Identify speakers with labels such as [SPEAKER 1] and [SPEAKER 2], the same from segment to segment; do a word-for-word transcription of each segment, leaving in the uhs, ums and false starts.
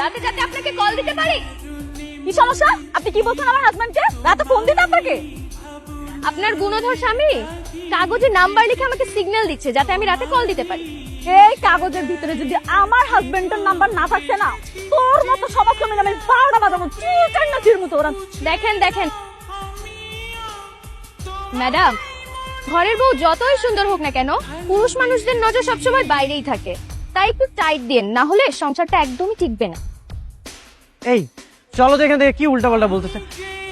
[SPEAKER 1] যাতে যাতে আপনাকে কল দিতে পারি।
[SPEAKER 2] কি সমস্যা? আপনি কি বলছেন আমার হাজবেন্ডকে রাতে ফোন দিতে আপনাকে?
[SPEAKER 1] আপনার গুণধর স্বামী কাগজে নাম্বার লিখে আমাকে সিগন্যাল দিচ্ছে যাতে আমি রাতে কল দিতে পারি।
[SPEAKER 2] এই কাগজের ভিতরে যদি আমার হাজবেন্ডের নাম্বার না থাকছে না, তোর মতো সমক্রমে আমি বারোটা বাজাবো চির না চির মতো ওরা।
[SPEAKER 1] দেখেন দেখেন ম্যাডাম, ঘরের বউ যতই সুন্দর হোক না কেন, পুরুষ মানুষদের নজর সবসময় বাইরেই থাকে। তাই একটু টাইট দেন, না হলে সংসারটা একদমই টিকবে না।
[SPEAKER 3] এই চলো তো এখান থেকে, কি উল্টা পাল্টা বলতেছে।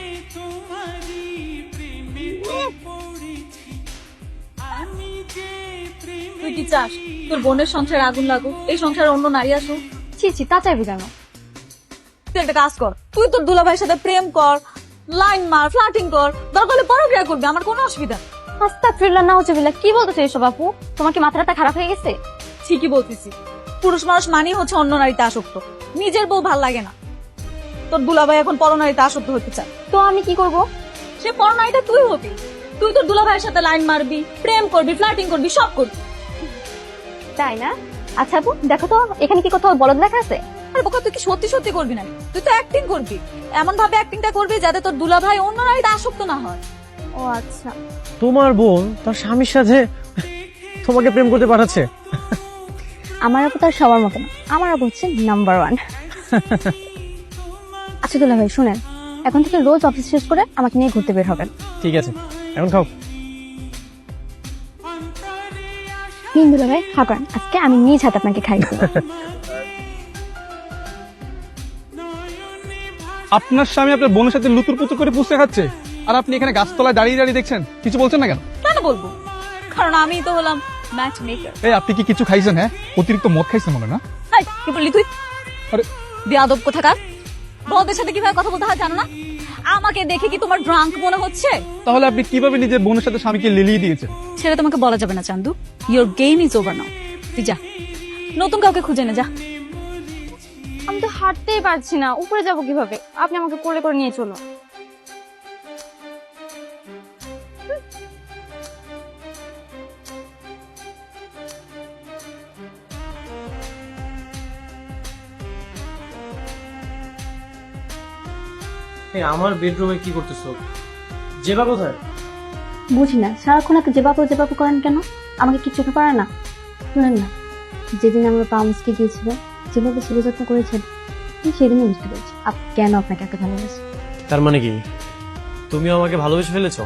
[SPEAKER 2] তুই কি চাস তোর বোনের সংসারে আগুন লাগুক, এই সংসারে অন্য নারী আসুক?
[SPEAKER 1] ছি ছি, তা চাইবি কেন?
[SPEAKER 2] তুই একটা কাজ কর, তুই তোর দুলাভাইয়ের সাথে প্রেম কর, লাইন মার, ফ্লার্টিং কর, দরকার হলে পরক্রিয়া করবি, আমার কোনো অসুবিধা।
[SPEAKER 1] আস্তাগফিরুল্লাহ, নাউজুবিল্লাহ, কি বলতেছে এসব আপু? তোমার কি মাথাটা খারাপ হয়ে গেছে?
[SPEAKER 2] ঠিকই বলতেছি, পুরুষ মানুষ মানেই হচ্ছে অন্য নারীতে আসক্ত, নিজের বউ ভাল লাগে না। তোর দুলাভাই এখন পরনারীতে আসক্ত হতে চায়,
[SPEAKER 1] তো আমি কি করব?
[SPEAKER 2] সে পরনারীটা তুই হবি। তুই তোর দুলাভাইয়ের সাথে লাইন মারবি, প্রেম করবি, ফ্লার্টিং করবি, সব করবি।
[SPEAKER 1] তাই না? আচ্ছা আপু, দেখো তো এখানে কি কোথাও বলদ লেখা আছে?
[SPEAKER 2] আর বোকা, তুই কি সত্যি সত্যি করবি না? তুই তো অ্যাক্টিং করবি, এমন ভাবে অ্যাক্টিংটা করবি যাতে তোর দুলাভাই অন্য নারীতে আসক্ত না হয়।
[SPEAKER 1] ও আচ্ছা।
[SPEAKER 3] তোমার বোন তার স্বামীর সাথে তোমাকে প্রেম করতে পাঠাচ্ছে?
[SPEAKER 1] আমার আপু তার সবার মতো না, আমার আপু হচ্ছে নাম্বার ওয়ান। আচ্ছা দুলা ভাই শুনেন, এখন থেকে রোজ অফিস শেষ করে আমাকে নিয়ে ঘুরতে বের হবেন।
[SPEAKER 3] ঠিক আছে, এখন খাও।
[SPEAKER 1] নিন দুলা ভাই, খাবেন? আজকে আমি নিজ হাতে আপনাকে খাইয়ে দেব।
[SPEAKER 4] আপনার স্বামী আপনার বোনের সাথে লুতুর পুতুর করে পুষতে খাচ্ছে, আর আপনি এখানে গাছতলায় দাঁড়িয়ে দাঁড়িয়ে দেখছেন, কিছু বলছেন না কেন?
[SPEAKER 2] কেন বলবো? কারণ আমি তো হলাম ম্যাচ মেকার।
[SPEAKER 4] এই আপনি কি কিছু খাইছেন? হ্যাঁ, অতিরিক্ত মদ খাইছেন মনে না?
[SPEAKER 2] হাই, কি বললি তুই?
[SPEAKER 4] আরে
[SPEAKER 2] বেয়াদব কোথাকার! বড়দের সাথে কিভাবে কথা বলতে হয় জানো না? আমাকে দেখে কি তোমার ড্রাঙ্ক মনে হচ্ছে?
[SPEAKER 4] তাহলে আপনি কিভাবে নিজের বোনের সাথে স্বামীকে লিলিয়ে দিয়েছেন?
[SPEAKER 2] সেটা তোমাকে বলা যাবে না Chandu, your game is over now. তুই যা, নতুন কাউকে খুঁজে নে, যা।
[SPEAKER 1] আমি তো হাঁটতেই পারছি না, উপরে যাব কিভাবে? আপনি আমাকে কোলে করে নিয়ে চলো।
[SPEAKER 3] আমার বেডরুমে কি করতেছো? জেবা কোথায়?
[SPEAKER 1] বুঝি না, সারাক্ষণ একটা যে বাপু যে বাপু করেন কেন? আমাকে কি চোখে পড়ে না? শুনেন না, যেদিন আমরা পামসকে গিয়েছিল, যেভাবে ছেলে যত্ন করেছেন, আমি সেদিনই বুঝতে পেরেছি আপনি কেন আপনাকে এত ভালোবাসি।
[SPEAKER 3] তার মানে কি তুমিও আমাকে ভালোবেসে ফেলেছো?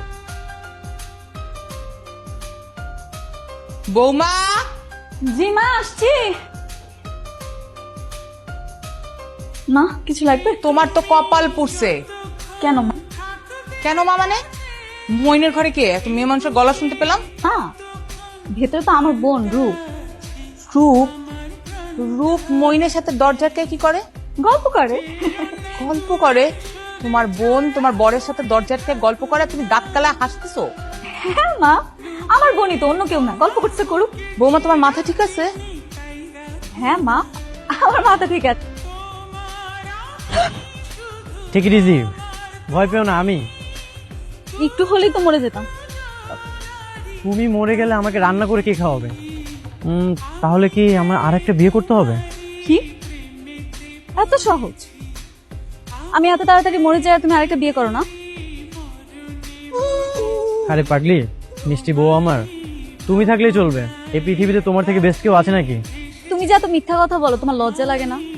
[SPEAKER 5] বৌমা,
[SPEAKER 2] জি মা, আসছি। মা কিছু লাগবে?
[SPEAKER 5] তোমার তো কপাল পুড়ছে।
[SPEAKER 2] কেন মা?
[SPEAKER 5] কেন মা মানে? মইনের ঘরে কে? এত মেয়ে মানুষের গলা শুনতে পেলাম।
[SPEAKER 2] না, ভেতরে তো আমার বোন রূপ।
[SPEAKER 5] রূপ? রূপ মইনের সাথে দরজাটকে কি করে?
[SPEAKER 2] গল্প করে।
[SPEAKER 5] গল্প করে? তোমার বোন তোমার বরের সাথে দরজাটকে গল্প করে, তুমি দাঁত কালায় হাসতেছো?
[SPEAKER 2] হ্যাঁ মা, আমার বোনই তো, অন্য কেউ না। গল্প করতে করুক।
[SPEAKER 5] বৌমা তোমার মাথা ঠিক আছে?
[SPEAKER 2] হ্যাঁ মা, আমার মাথা ঠিক আছে।
[SPEAKER 3] ঠিক ইজি, ভয় পেও না। আমি
[SPEAKER 2] একটু হলেই তো মরে যেতাম।
[SPEAKER 3] তুমি মরে গেলে আমাকে রান্না করে কে খাওয়াবে? উম, তাহলে কি আমার আর একটা বিয়ে করতে হবে?
[SPEAKER 2] কি এত সহজ? আমি এত তাড়াতাড়ি মরে যাই আর তুমি আরেকটা বিয়ে করো না?
[SPEAKER 3] আরে পাগলি, মিষ্টি বউ আমার, তুমি থাকলেই চলবে। এই পৃথিবীতে তোমার থেকে বেস্ট কেউ আছে নাকি?
[SPEAKER 2] তুমি যে এত মিথ্যা কথা বলো, তোমার লজ্জা লাগে না?